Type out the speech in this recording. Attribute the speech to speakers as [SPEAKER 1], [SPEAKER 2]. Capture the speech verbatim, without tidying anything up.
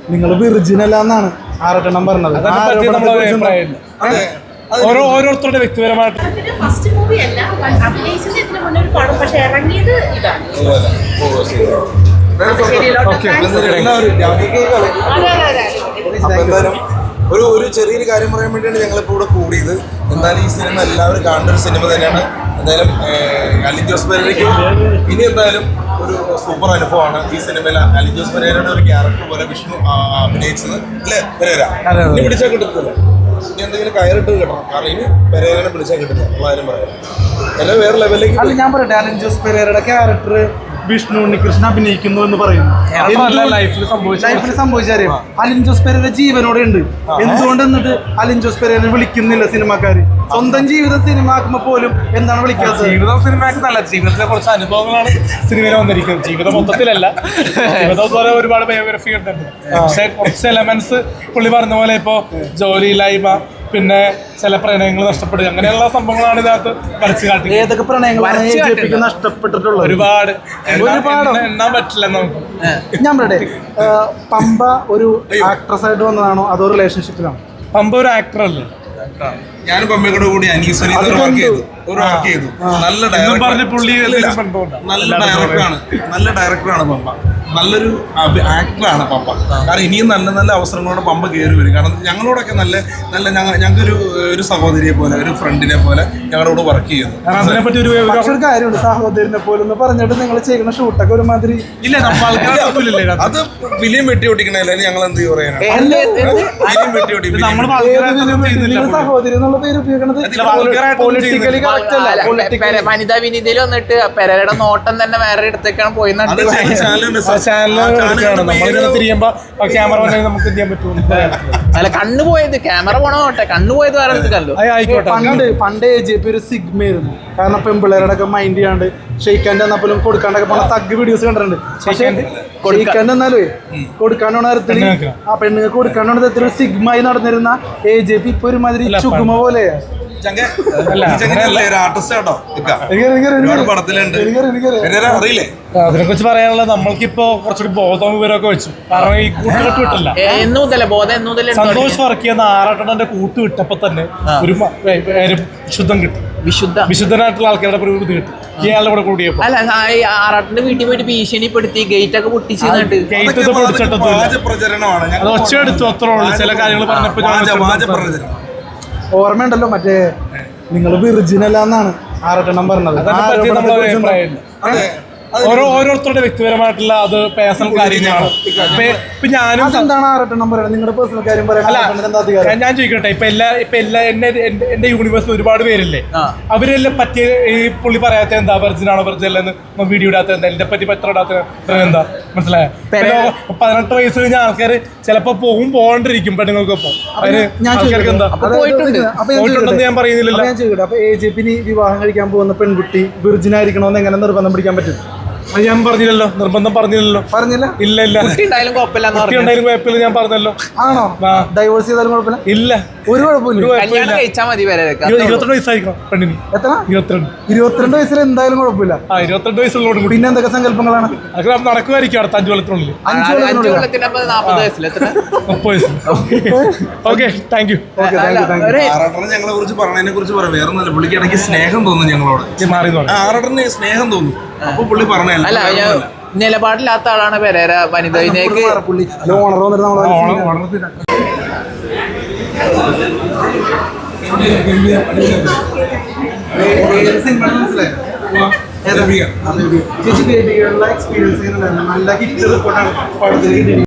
[SPEAKER 1] നിങ്ങൾ വിർജിനല്ല എന്നാണ് ആറട്ടെണ്ണം പറഞ്ഞത്.
[SPEAKER 2] ഓരോ ഓരോരുത്തരുടെ വ്യക്തിപരമായിട്ട്
[SPEAKER 3] ഫസ്റ്റ് മൂവി അല്ല, അഭിനയിച്ചത് ഇതിന് മുന്നേ ഒരു പടം, പക്ഷെ ഇറങ്ങിയത് ഇതാണ്.
[SPEAKER 4] എന്തായാലും ഒരു ഒരു ചെറിയൊരു കാര്യം പറയാൻ വേണ്ടിയാണ് ഞങ്ങളിപ്പോൾ ഇവിടെ കൂടിയത്. എന്തായാലും ഈ സിനിമ എല്ലാവരും കാണേണ്ട ഒരു സിനിമ തന്നെയാണ്. എന്തായാലും അലിൻ ജോസ് പെരേരയ്ക്ക് ഇനി എന്തായാലും ഒരു സൂപ്പർ അനുഭവമാണ് ഈ സിനിമയിൽ അലിൻ ജോസ് പെരേരയുടെ ഒരു ക്യാരക്ടർ പോലെ വിഷ്ണു അഭിനയിച്ചത് അല്ലേ പെരേര? ഇനി പിടിച്ചാൽ കിട്ടത്തില്ല, ഇനി എന്തെങ്കിലും കയറിട്ട് കിട്ടണം. കാരണം ഇനി പെരേരനെ പിടിച്ചാൽ കിട്ടില്ല ഉള്ള കാര്യം പറയാം. എല്ലാം വേറെ ലെവലിലേക്ക്
[SPEAKER 1] അല്ല, ഞാൻ പറയട്ടെ, അലിൻ ജോസ് പെരേരയുടെ ക്യാരക്ടർ വിഷ്ണു ഉണ്ണികൃഷ്ണൻ അഭിനയിക്കുന്നു എന്ന് പറയുന്നു.
[SPEAKER 2] ലൈഫിൽ
[SPEAKER 1] ലൈഫിൽ സംഭവിച്ചറിയാം. അലിൻ ജോസ് പെരേര ജീവനോടെ ഉണ്ട്. എന്തുകൊണ്ട് എന്നിട്ട് അലിൻ ജോസ് പെരേരനെ വിളിക്കുന്നില്ല സിനിമാക്കാര്? സ്വന്തം ജീവിതം സിനിമ ആക്കുമ്പോ പോലും എന്താണ് വിളിക്കാത്തത്?
[SPEAKER 2] ജീവിതം സിനിമയാക്കുന്നല്ല, ജീവിതത്തിലെ കുറച്ച് അനുഭവങ്ങളാണ് സിനിമയിൽ വന്നിരിക്കുന്നത്. ജീവിതം മൊത്തത്തിലല്ല, ജീവിതം പോലെ ഒരുപാട് ബയോഗ്രഫി ഉണ്ട്. പക്ഷെ കുറച്ച് എലമെന്റ്സ് പുള്ളി പറഞ്ഞ പോലെ ഇപ്പോ ജോലിയില്ലായ്മ, പിന്നെ ചില പ്രണയങ്ങൾ നഷ്ടപ്പെടുക, അങ്ങനെയുള്ള സംഭവങ്ങളാണ് ഇതിനകത്ത് വരച്ചു കാട്ടി.
[SPEAKER 1] ഏതൊക്കെ പ്രണയങ്ങളാണ് നഷ്ടപ്പെട്ടിട്ടുള്ളത്?
[SPEAKER 2] ഒരുപാട് എണ്ണാൻ പറ്റില്ല നമുക്ക്.
[SPEAKER 1] ഞാൻ പറയട്ടെ, പമ്പ ഒരു ആക്ട്രസ് ആയിട്ട് വന്നതാണോ അതോ റിലേഷൻഷിപ്പിലാണോ?
[SPEAKER 2] പമ്പ ഒരു ആക്ടർ അല്ലേ?
[SPEAKER 4] ഞാനും പമ്മയോട് കൂടി അനീസനി ഒരു വർക്ക് ചെയ്തു ഒരു വർക്ക് ചെയ്തു നല്ല ഡയറക്ടർ നല്ല ഡയറക്ടറാണ് നല്ല ഡയറക്ടറാണ് പമ്പ. നല്ലൊരു ആക്ടറാണ് പമ്പ. കാരണം ഇനിയും നല്ല നല്ല അവസരങ്ങളോടെ പമ്പ കയറി വരും. കാരണം ഞങ്ങളോടൊക്കെ നല്ല നല്ല ഞങ്ങൾക്കൊരു ഒരു സഹോദരിയെ പോലെ ഒരു ഫ്രണ്ടിനെ പോലെ ഞങ്ങളോട് വർക്ക് ചെയ്യുന്നു.
[SPEAKER 2] അതിനെപ്പറ്റി ഒരു
[SPEAKER 1] കാര്യമുണ്ട്, സഹോദരനെ പോലെ എന്ന് പറഞ്ഞിട്ട് നിങ്ങൾ ചെയ്യുന്ന ഷൂട്ടൊക്കെ ഒരുമാതിരി
[SPEAKER 2] ഇല്ല.
[SPEAKER 4] അത് ഫിലിം വെട്ടി ഓടിക്കണല്ലേ, ഞങ്ങൾ എന്ത് പറയാനാണ്? ഫിലിം വെട്ടി ഓടി
[SPEAKER 1] സഹോദരി എന്നുള്ള പേര് ഉപയോഗിക്കുന്നത് പൊളിറ്റിക്കലി കറക്റ്റ് അല്ല.
[SPEAKER 5] വനിതാ വിനീതയിൽ വന്നിട്ട് പെരയുടെ നോട്ടം തന്നെ വേറെ ഇടത്തേക്കാണ് പോയി. അല്ല, കണ്ണു പോയത് ക്യാമറ പോണോട്ടെ, കണ്ണു പോയത് വേറെ എടുത്തല്ലോ.
[SPEAKER 1] പണ്ട് പണ്ട് എ ജെ പി ഒരു സിഗ്മയായിരുന്നു. കാരണം പെൺപിള്ളേരുടെ ഒക്കെ മൈൻഡ് ചെയ്യാണ്ട് ഷെയ്ക്കാൻ്റെ വന്നപ്പോഴും കൊടുക്കാണ്ടൊക്കെ പോണ തഗ് വീഡിയോസ് കണ്ടിട്ടുണ്ട്. പക്ഷേ ഷെയ്ക്കാൻ്റെ എന്നാലേ കൊടുക്കാണ്ടോണ തരത്തിൽ ആ പെണ്ണുങ്ങൾക്ക് കൊടുക്കാണ്ടോണ തരത്തിൽ ഒരു സിഗ്മായി നടന്നിരുന്ന എ ജെ പി ഇപ്പൊ ഒരുമാതിരി ചുഗുമ പോലെയാ.
[SPEAKER 4] അറിയില്ലേ
[SPEAKER 2] അതിനെ കുറിച്ച് പറയാനുള്ളത്? നമ്മൾക്കിപ്പോ കുറച്ചുകൂടി ബോധം വിവരമൊക്കെ വെച്ചു. കാരണം ഈ കൂട്ടുകെട്ട് വിട്ടില്ല. സന്തോഷ് വർക്ക് ചെയ്യുന്ന ആറാട്ടണ്ണന്റെ കൂട്ട് വിട്ടപ്പോ തന്നെ ഒരു വിശുദ്ധം കിട്ടും. വിശുദ്ധ വിശുദ്ധനായിട്ടുള്ള ആൾക്കാരുടെ പ്രകൃതി കിട്ടും ഇയാളുടെ കൂടെ കൂടിയപ്പോ.
[SPEAKER 5] അല്ല, ആറാട്ടിന്റെ വീട്ടിൽ പോയിട്ട് ഭീഷണിപ്പെടുത്തി ഗേറ്റ് ഒക്കെ പൊട്ടിച്ച്
[SPEAKER 4] പ്രചരണമാണ്.
[SPEAKER 2] അത് ഒച്ചയെടുത്തു, അത്രേ ഉള്ളൂ. ചില കാര്യങ്ങൾ പറഞ്ഞപ്പോ
[SPEAKER 1] ഓർമ്മയുണ്ടല്ലോ, മറ്റേ നിങ്ങൾ വിർജിനല്ല എന്നാണ് ആറട്ടെണ്ണം പറഞ്ഞത്.
[SPEAKER 2] ഓരോ ഓരോരുത്തരുടെ വ്യക്തിപരമായിട്ടുള്ള അത് പേഴ്സണൽ കാര്യങ്ങളാണ്. ഇപ്പൊ ഞാനും
[SPEAKER 1] എന്താണ് ആറട്ടെണ്ണം പറയുന്നത്? നിങ്ങളുടെ പേഴ്സണൽ കാര്യം പറയാൻ
[SPEAKER 2] ഞാൻ ചോദിക്കട്ടെ, ഇപ്പൊ എല്ലാ ഇപ്പൊ എല്ലാ എന്നെ എന്റെ യൂണിവേഴ്സിൽ ഒരുപാട് പേരില്ലേ, അവരെല്ലാം പറ്റിയ ഈ പുള്ളി പറയാത്ത എന്താ വെർജിനാണോ വെർജിനെന്ന് വീഡിയോ ഇടാത്ത എന്താ, എന്റെ പറ്റി പത്ര ഇടാത്ത എന്താ മനസ്സിലായോ? പതിനെട്ട് വയസ്സ് കഴിഞ്ഞ ആൾക്കാർ ചിലപ്പോ പോകും പോകണ്ടിരിക്കും പെണ്ണുങ്ങൾക്കൊപ്പം. അതിന് ആൾക്കാർക്ക് എന്താ പോയിട്ടുണ്ടെന്ന് ഞാൻ പറയുന്നില്ലല്ലോ.
[SPEAKER 1] ഞാൻ ചോദിക്കട്ടെ, അപ്പൊ എ ജെ പി വിവാഹം കഴിക്കാൻ പോകുന്ന പെൺകുട്ടി വിർജിനായിരിക്കണമെന്ന് എങ്ങനെ നിർബന്ധം പിടിക്കാൻ പറ്റും?
[SPEAKER 2] അത് ഞാൻ പറഞ്ഞില്ലല്ലോ, നിർബന്ധം പറഞ്ഞില്ലല്ലോ.
[SPEAKER 1] പറഞ്ഞില്ല?
[SPEAKER 2] ഇല്ല ഇല്ല,
[SPEAKER 5] കുട്ടിയുണ്ടായാലും കുഴപ്പമില്ല.
[SPEAKER 1] ഞാൻ പറഞ്ഞല്ലോ. ആണോ? ഡൈവോഴ്സ് ചെയ്താലും കുഴപ്പമില്ല?
[SPEAKER 2] ഇല്ല,
[SPEAKER 1] ഒരു കുഴപ്പമില്ല.
[SPEAKER 2] ഇരുപത്തിരണ്ട് വയസ്സായിരിക്കണം പെണ്ണിന്.
[SPEAKER 1] എത്ര?
[SPEAKER 2] ഇരുപത്തിരണ്ട്.
[SPEAKER 1] ഇരുപത്തിരണ്ട് വയസ്സിൽ എന്തായാലും കുഴപ്പമില്ല.
[SPEAKER 2] ആ ഇരുപത്തിരണ്ട് വയസ്സുള്ളോട് കൂടി
[SPEAKER 1] പിന്നെ എന്തൊക്കെ സങ്കല്പങ്ങളാണ്
[SPEAKER 2] അത് നടക്കുമായിരിക്കും അടുത്ത അഞ്ചു കൊല്ലത്തിനുള്ളിൽ.
[SPEAKER 5] നാപ്പത് വയസ്സിൽ
[SPEAKER 2] മുപ്പത് വയസ്സ്. Okay, thank you.
[SPEAKER 4] ഞങ്ങളെ കുറിച്ച് പറഞ്ഞതിനെ കുറിച്ച് പറയാം. വേറെ ഒന്നുമില്ല, പുള്ളിക്ക് ഇടയ്ക്ക് സ്നേഹം തോന്നുന്നു ഞങ്ങളോട്. ആറട്ടറിന് സ്നേഹം തോന്നുന്നു. അപ്പൊ പുള്ളി പറഞ്ഞല്ല,
[SPEAKER 5] നിലപാടില്ലാത്ത ആളാണ് പെരേര. വനിതയിലേക്ക്
[SPEAKER 1] പുള്ളി ഓണർ വന്നിട്ട് ചേച്ചി ബേബികളുടെ എക്സ്പീരിയൻസ് നല്ല ഹിറ്റ് റിപ്പോർട്ടാണ് പടത്തിൽ കിട്ടിയത്.